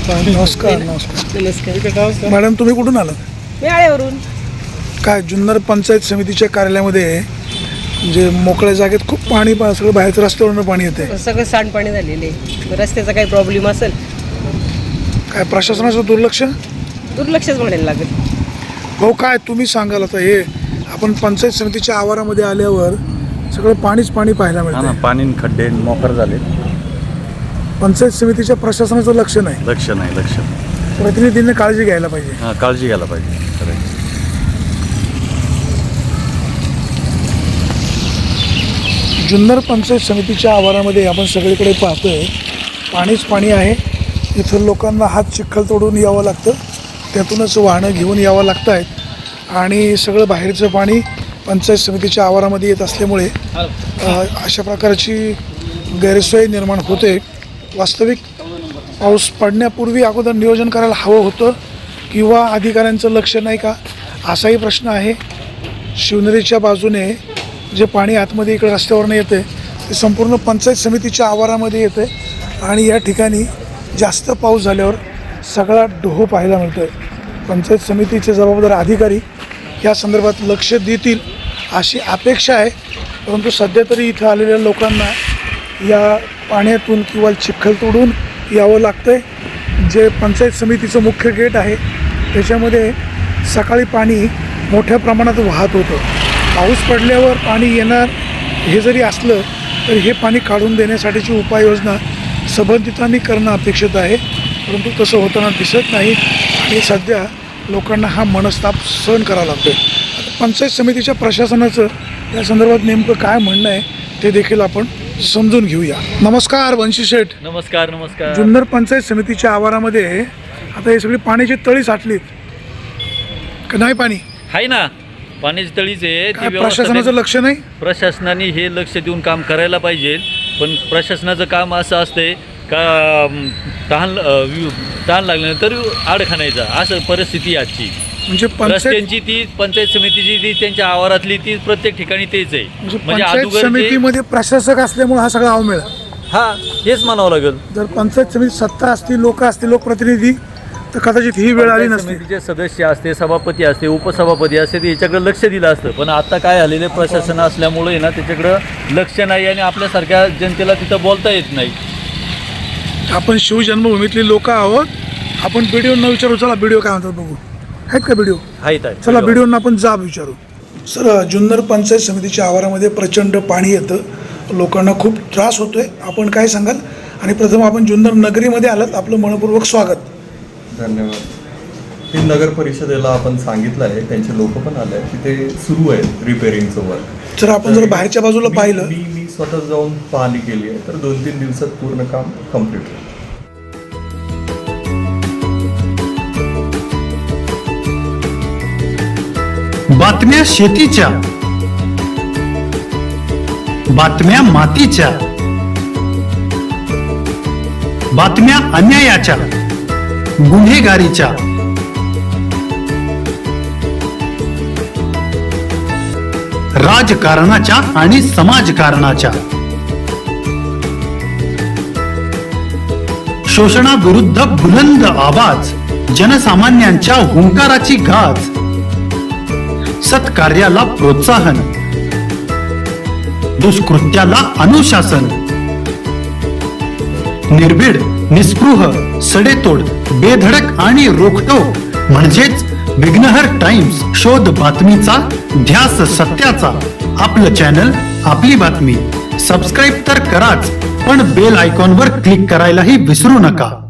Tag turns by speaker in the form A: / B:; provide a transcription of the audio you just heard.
A: नमस्कार.
B: नमस्कार.
A: मॅडम, तुम्ही कुठून आलात?
B: मी आळ्यावरून.
A: काय जुन्नर पंचायत समितीच्या कार्यालयामध्ये म्हणजे मोकळ्या जागेत खूप पाणी सगळं बाहेरचं रस्त्यावरून पाणी येते.
B: सगळं सांडपाणी झालेले. रस्त्याचा काही प्रॉब्लेम असेल,
A: काय प्रशासनाचं
B: दुर्लक्षच म्हणायला लागेल.
A: भाऊ, काय तुम्ही सांगाल आता? हे आपण पंचायत समितीच्या आवारामध्ये आल्यावर सगळं पाणीच पाणी पाहायला मिळतं.
C: पाणी खड्डे मोकर झाले.
A: पंचायत समितीच्या प्रशासनाचं लक्ष नाही.
C: लक्ष
A: प्रतिनिधींनी काळजी घ्यायला पाहिजे.
C: काळजी घ्यायला पाहिजे.
A: जुन्नर पंचायत समितीच्या आवारामध्ये आपण सगळीकडे पाहतोय पाणीच पाणी आहे. इथं लोकांना हात चिखल तोडून यावं लागतं, त्यातूनच वाहनं घेऊन यावं लागत आहेत आणि सगळं बाहेरचं पाणी पंचायत समितीच्या आवारामध्ये येत असल्यामुळे अशा प्रकारची गैरसोय निर्माण होते. वास्तविक पाऊस पडण्यापूर्वी अगोदर नियोजन करायला हवं होतं किंवा अधिकाऱ्यांचं लक्ष नाही का, असाही प्रश्न आहे. शिवनेरीच्या बाजूने जे पाणी आतमध्ये इकडे रस्त्यावरनं येते ते संपूर्ण पंचायत समितीच्या आवारामध्ये येते आणि या ठिकाणी जास्त पाऊस झाल्यावर सगळा डोह पाहायला मिळतो आहे. पंचायत समितीचे जबाबदार अधिकारी या संदर्भात लक्ष देतील अशी अपेक्षा आहे. परंतु सध्या तरी इथं आलेल्या लोकांना या पाण्यातून किंवा चिखल तोडून यावं लागतं आहे. जे पंचायत समितीचं मुख्य गेट आहे त्याच्यामध्ये सकाळी पाणी मोठ्या प्रमाणात वाहत होतं. पाऊस पडल्यावर पाणी येणार हे जरी असलं तरी हे पाणी काढून देण्यासाठीची उपाययोजना संबंधितांनी करणं अपेक्षित आहे. परंतु तसं होताना दिसत नाही आणि सध्या लोकांना हा मनस्ताप सहन करावा लागतो आहे. आता पंचायत समितीच्या प्रशासनाचं या संदर्भात नेमकं काय म्हणणं आहे ते देखील आपण समजून घेऊया. नमस्कार वंशी शेठ.
C: नमस्कार.
A: जुन्नर पंचायत समितीच्या आवारामध्ये आता हे सगळी पाण्याची तळी साठलीत का नाही? पाणी
C: आहे ना, पाण्याची तळीच आहे.
A: काय प्रशासनाचं लक्ष नाही?
C: प्रशासनाने हे लक्ष देऊन काम करायला पाहिजे. पण प्रशासनाचं काम असं असतंय का तहान लागल्यानंतर आडखाणायचा, असं परिस्थिती आजची.
A: म्हणजे
C: रस्त्यांची ती पंचायत समितीची ती त्यांच्या आवारातली ती प्रत्येक ठिकाणी तेच आहे.
A: म्हणजे पंचायत समितीमध्ये प्रशासक असल्यामुळे हा सगळा अवमेळ.
C: हेच म्हणावं लागेल.
A: जर पंचायत समिती सत्ता असती, लोक असतील, लोकप्रतिनिधी, तर कदाचित ही वेळ आली नसती.
C: समितीचे सदस्य असते, सभापती असते, उपसभापती असते, ते याच्याकडे लक्ष दिलं असतं. पण आता काय झालेलं आहे, प्रशासन असल्यामुळे ना त्याच्याकडं लक्ष नाही आणि आपल्यासारख्या जनतेला तिथं बोलता येत नाही.
A: आपण शिवजन्मभूमीतली लोक आहोत. आपण बीडीओंना विचारू. चला बीडीओ काय म्हणतात बघू. आहेत का बीडीओ?
C: आहेत.
A: चला बीडीओंना आपण जाब विचारू. सर, जुन्नर पंचायत समितीच्या आवारामध्ये प्रचंड पाणी येतं, लोकांना खूप त्रास होतोय. आपण काय सांगाल? आणि प्रथम आपण जुन्नर नगरीमध्ये आलात, आपलं मनपूर्वक स्वागत.
D: धन्यवाद. हे नगर परिषदेला आपण सांगितलं आहे, त्यांचे लोक पण आले आहेत, तिथे सुरू आहे रिपेअरिंगचं वर्क.
A: जर आपण जर बाहेरच्या बाजूला पाहिलं,
D: मी स्वतः जाऊन पाहणी केली आहे, तर 2-3 दिवसात पूर्ण काम कम्प्लीट होईल.
E: बातम्या शेतीच्या, बातम्या मातीच्या, बातम्या अन्यायाच्या, गुन्हेगारीच्या, राजकारणाच्या आणि समाजकारणाच्या, शोषणाविरुद्ध बुलंद आवाज, जनसामान्यांच्या हुंकाराची गाज, सत्कार्याला प्रोत्साहन, दुष्कृत्याला अनुशासन, निर्भीड, निस्पृह, सडेतोड, बेधडक आणि रोखटोक म्हणजेच विघ्नहर टाइम्स. शोध बातमीचा, ध्यास सत्याचा. आपलं चॅनल, आपली बातमी. सबस्क्राईब तर कराच, पण बेल आयकॉनवर क्लिक करायलाही विसरू नका.